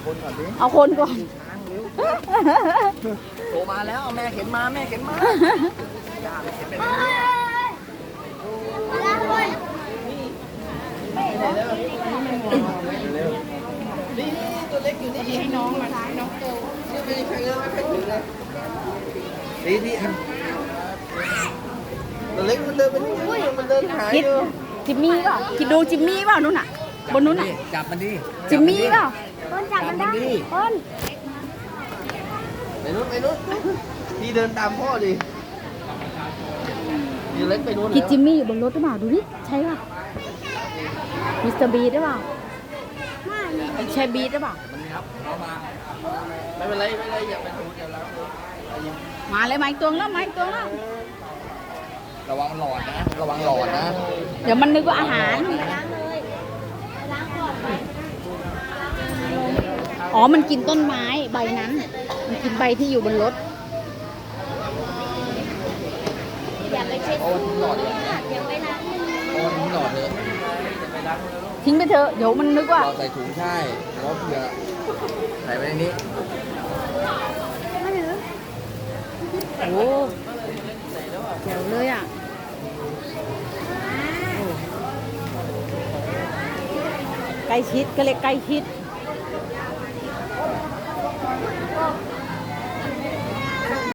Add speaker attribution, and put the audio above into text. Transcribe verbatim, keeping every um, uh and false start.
Speaker 1: คนก่อนดิ
Speaker 2: เอาคนก่อน
Speaker 1: ช้างเร็วโตมาแล้วแม่เข็นมาแม่เข็นมาอย่าไปเข็นไปเลยนี่ตัวเล็กอยู่นี่ให้น้องมาให้น้องโตไม่ได้ใครเลยไม่เคยถึงเลยดีดีตัวเล็กมันเดินไปนู่นมันเดินหาย
Speaker 2: คิด
Speaker 1: อยู่
Speaker 2: จิมมี่เปล่าคิดดูจิมมี่เปล่านู่นน่ะบนนู้นน่ะ
Speaker 1: จับมันดิ
Speaker 2: จิมมี่เปล่า
Speaker 3: ต้นจับมันได้
Speaker 2: ต้น
Speaker 1: ไปนู้นไปนู้นพี่เดินตามพ่อดิพี่เล็กไปนู้น
Speaker 2: คิด
Speaker 1: แล้ว
Speaker 2: จิมมี่อยู่บนรถหรือเปล่าดูดิใช่ป่ะมิสเตอร์บีหรือเปล่าใช่บีหรือเปล่า
Speaker 1: มันงับเขามาไม่เป็นไรไม่เป็นไรอย่าไปดูอย่าล้างเลย
Speaker 2: มาเลยมาอีกตัวแล้วมาอีกตัวแล้ว
Speaker 1: ระวังหลอดนะ ระวังหลอดนะ
Speaker 2: เดี๋ยวมันนึกว่าอาหาร
Speaker 3: ล้างเลยล้างก่อนไป
Speaker 2: อ๋อมันกินต้นไม้ใบนั้น มันกินใบที่อยู่บนรถ
Speaker 3: อย่าไปเช็ด
Speaker 1: โอ้ทิ้งหลอดเลย
Speaker 3: อย่าไปล้างมือ
Speaker 1: โอ้ทิ้งหลอดเลย
Speaker 2: ทิ้งไปเถอะเดี๋ยวมันนึกว่า
Speaker 1: หลอดใส่ถุงใช่แล้วเผื่อใส่ไว้ในนี้
Speaker 3: มาถือ
Speaker 2: โอ้แจ๋วเลยอ่ะใกล้ชิดก็เรียกใกล้ชิด